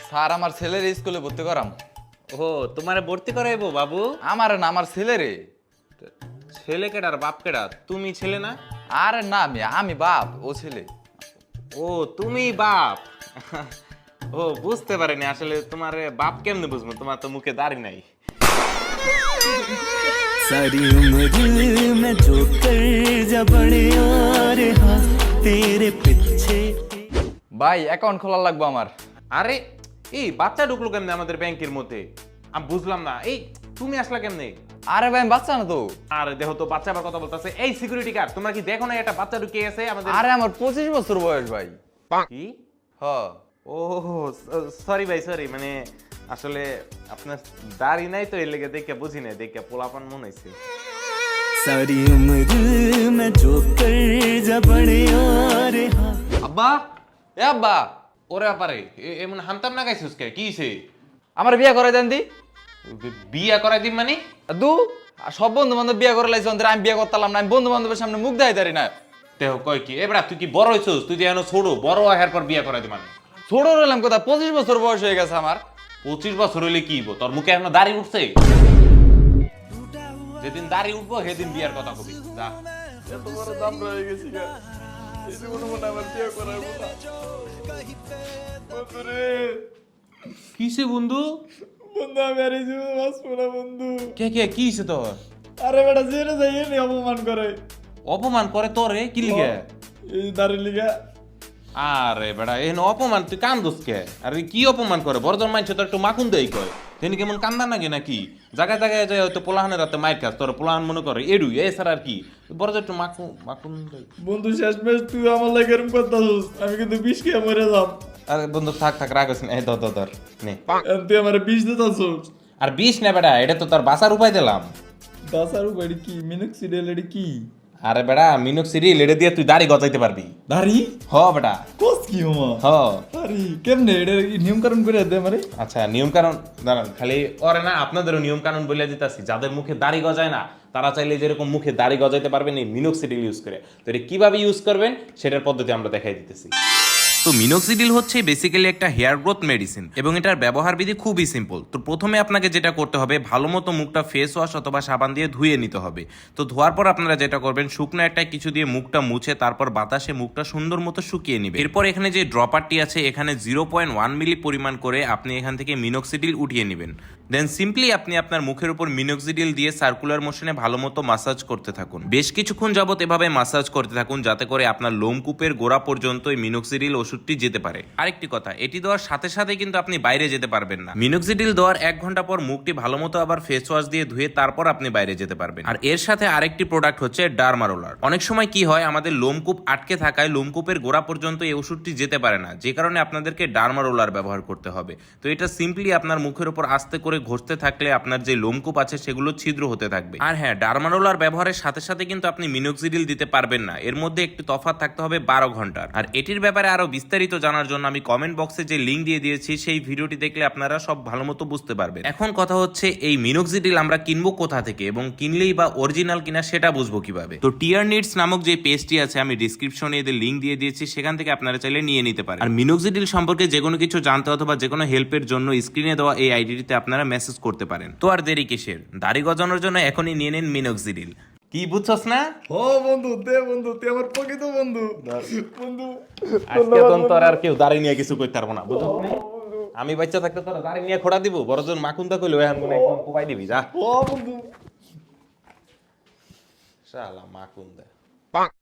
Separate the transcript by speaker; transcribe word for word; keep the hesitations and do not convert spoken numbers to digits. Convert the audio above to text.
Speaker 1: Sir আমার ছেলের স্কুলে ভর্তি করাম।
Speaker 2: ও তোমারে ভর্তি করাইবো বাবু?
Speaker 1: আমার না, আমার ছেলেরে।
Speaker 2: ছেলে কেডার বাপ কেডা? তুমি ছেলে না?
Speaker 1: আরে না, আমি আমি বাপ, ও ছেলে।
Speaker 2: ও তুমি বাপ। ও বুঝতে পারিনি আসলে তোমার বাপ কেমনে বুঝবো, তোমার তো মুখে দাড়ি নাই।
Speaker 3: सारी उम्र मैं जो कर जा बड़े और हाँ तेरे पीछे।
Speaker 1: ভাই অ্যাকাউন্ট খোলা লাগবে আমার।
Speaker 2: আরে এই বাচ্চা ঢুকলো কেমনে আমাদের ব্যাংকের মধ্যে? আমি বুঝলাম না, এই তুমি আসলা কেমনে?
Speaker 1: আরে ভাই আমি বাচ্চা না তো।
Speaker 2: আরে দেখো তো বাচ্চা আবার কথা বলতেছে। এই সিকিউরিটি গার্ড, তোমরা কি দেখো না একটা বাচ্চা ঢুকে আছে আমাদের?
Speaker 1: আরে আমার পঁচিশ বছর বয়স ভাই।
Speaker 2: কি?
Speaker 1: হ।
Speaker 2: ও সরি ভাই, সরি, মানে আসলে আপনার দাড়ি নাই তো এর লেগে দেখে বুঝি নাই, দেখে পোলাপান মনে হয়েছে।
Speaker 3: सारी उम्र मैं जो कर जा बड़े और हाँ।
Speaker 2: আব্বা,
Speaker 1: এ আব্বা,
Speaker 2: ওরে আপারে এমন হামতাম না গাইছিস কে? কি হইছে?
Speaker 1: আমার বিয়ে করে দেন দি।
Speaker 2: বিয়া করাই দিন মানে?
Speaker 1: দু সব বন্ধু বান্ধব বিয়ে করে লাইছে, অন্তরে আমি বিয়ে করতাম না। আমি বন্ধু বান্ধবের সামনে মুখ দেখাই দাঁড়ি না।
Speaker 2: দেহ কয় কি এবার তুই কি বড় হইছস? তুই যে এখন ছোট, বড় হওয়ার পর বিয়া করাই দি মানে?
Speaker 1: ছোট রইলাম কথা, পঁচিশ বছর বয়স হয়ে গেছে আমার।
Speaker 2: পঁচিশ বছর হইলে কি হইবো? তোর মুখে এখনো দাড়ি উঠছে? যেদিন দাড়ি উঠবো সেদিন বিয়ার কথা কবি। যা।
Speaker 1: এত বড় দাম রয়ে গেছি গা, এই জীবনে মনে আমার বিয়ে করাইবো না। বন্ধুরে,
Speaker 2: কিসে বন্ধু?
Speaker 1: বন্ধু আমি আর এই জীবনে বাঁচবো না বন্ধু।
Speaker 2: কে কে কি হইছে তোর?
Speaker 1: আরে বেটা জেনে যাই এনে অপমান করে।
Speaker 2: অপমান করে তোরে? কি লিগে?
Speaker 1: এই দাঁড়ি লিগা।
Speaker 2: আরে বেটা এখন অপমান তুই কান্দোস কে? আরে কি অপমান করে? বড়জন মাইছে তো একটু মাখুন দেই কয়। তিনি কেমন কান্দা নাকি নাকি? জায়গায় জায়গায় যায় হয়তো পোলাহানের রাতে মাইর খাস, তোর পোলাহান মনে করে এডুই এছাড়া আর কি? বড় একটু মাখু মাখুন দেই।
Speaker 1: বন্ধু শেষ মেশ তুই আমার লাগে এরকম করতাছিস, আমি কিন্তু বিষ খেয়ে মরে যাম।
Speaker 2: আরে বন্ধু থাক থাক রাগ হইছে না, এই ধর ধর ধর নে।
Speaker 1: এখন তুই আমার বিষ দিতাছিস।
Speaker 2: আর বিষ না বেটা, এটা তো তোর বাসার উপায় দিলাম।
Speaker 1: দাসার উপরে কি মিনক্সিডিল এডি কি?
Speaker 2: আরে বেটা মিনক্সিডিল এটা দিয়ে তুই দাড়ি গজাইতে পারবি।
Speaker 1: দাড়ি?
Speaker 2: হ বেটা।
Speaker 1: কোস কি ওমা?
Speaker 2: হ।
Speaker 1: আরে কেমনে এটা নিয়ম কানুন করে দে আমারে?
Speaker 2: আচ্ছা নিয়ম কানুন দাঁড়ান, খালি ওরে না আপনাদেরও নিয়ম কানুন বলে দিতেছি। যাদের মুখে দাড়ি গজায় না তারা চাইলে যেরকম মুখে দাড়ি গজাইতে পারবেন এই মিনক্সিডিল ইউজ করে। তো এটা কিভাবে ইউজ করবেন সেটার পদ্ধতি আমরা দেখাই দিতেছি।
Speaker 4: তো মিনোক্সিডিল হচ্ছে বেসিক্যালি একটা হেয়ার গ্রোথ মেডিসিন এবং এটার ব্যবহার বিধি খুবই সিম্পল। তো প্রথমে আপনাকে যেটা করতে হবে, ভালো মতো মুখটা ফেস ওয়াশ অথবা সাবান দিয়ে ধুয়ে নিতে হবে। তো ধোয়ার পর আপনারা যেটা করবেন, শুকনো একটা কিছু দিয়ে মুখটা মুছে তারপর বাতাসে মুখটা সুন্দর মতো শুকিয়ে নেবেন। এরপর এখানে যে ড্রপারটি আছে এখানে জিরো পয়েন্ট ওয়ান মিলি পরিমাণ করে আপনি এখান থেকে মিনোক্সিডিল উঠিয়ে নেবেন। দেন সিম্পলি আপনি আপনার মুখের উপর মিনোক্সিডিল দিয়ে সার্কুলার মোশনে ভালো মতো মাসাজ করতে থাকুন। বেশ কিছুক্ষণ যাবত এভাবে মাসাজ করতে থাকুন যাতে করে আপনার লোমকূপের গোড়া পর্যন্ত এই মিনোক্সিডিল ওষুধটি যেতে পারে। আরেকটি কথা, এটি দেওয়ার সাথে সাথে কিন্তু আপনি বাইরে যেতে পারবেন না। মিনোক্সিডিল দেওয়ার এক ঘন্টা পর মুখটি ভালো মতো আবার ফেস ওয়াশ দিয়ে ধুয়ে তারপর আপনি বাইরে যেতে পারবেন। আর এর সাথে আরেকটি প্রোডাক্ট হচ্ছে ডার্মা রোলার। অনেক সময় কি হয়, আমাদের লোমকূপ আটকে থাকায় লোমকূপের গোড়া পর্যন্ত এই ওষুধটি যেতে পারে না, যে কারণে আপনাদেরকে ডার্মা রোলার ব্যবহার করতে হবে। তো এটা সিম্পলি আপনার মুখের উপর আস্তে করে ঘষতে থাকলে আপনার যে লোমকূপ আছে সেগুলো ছিদ্র হতে থাকবে। আর হ্যাঁ, ডার্মা রোলার ব্যবহারের সাথে সাথে কিন্তু আপনি মিনোক্সিডিল দিতে পারবেন না, এর মধ্যে একটি তফাৎ থাকতে হবে বারো ঘন্টার। আর এটির ব্যাপারে আরো বিস্তারিত জানার জন্য আমি কমেন্ট বক্সে যে লিঙ্ক দিয়ে দিয়েছি সেই ভিডিওটি দেখলে আপনারা সব ভালো মতো বুঝতে পারবেন। এখন কথা হচ্ছে এই মিনোক্সিডিল আমরা কিনবো কোথা থেকে এবং কিনলেই বা অরিজিনাল কিনা সেটা বুঝবো কিভাবে? তো টিয়ার নিডস নামক যে পেজটি আছে আমি ডিসক্রিপশনে এদের লিঙ্ক দিয়ে দিয়েছি, সেখান থেকে আপনারা চাইলে নিয়ে নিতে পারেন। আর মিনোক্সিডিল সম্পর্কে যে কোনো কিছু জানতে অথবা যে কোনো হেল্পের জন্য স্ক্রিনে দেওয়া এই আইডিটিতে আপনারা মেসেজ করতে পারেন। তো আর দেরি কিসের, দাড়ি গজানোর জন্য এখনই নিয়ে নিন মিনোক্সিডিল।
Speaker 2: কি বুঝছস না?
Speaker 1: ও বন্ধু দে বন্ধু, তুই আমার প্রকৃত বন্ধু। বন্ধু
Speaker 2: আজকে তোর তোর আর কেউ দাড়ি নিয়ে কিছু করতে পারবো না, বুঝছস না? আমি বাচ্চা থাকতে তোর দাড়ি নিয়ে খোড়া দিব, বড়জন মাখুন্দা কইলো এখন মনে একদম কোপাই দিবি। যা
Speaker 1: ও বন্ধু।
Speaker 2: শালা মাখুন্দা।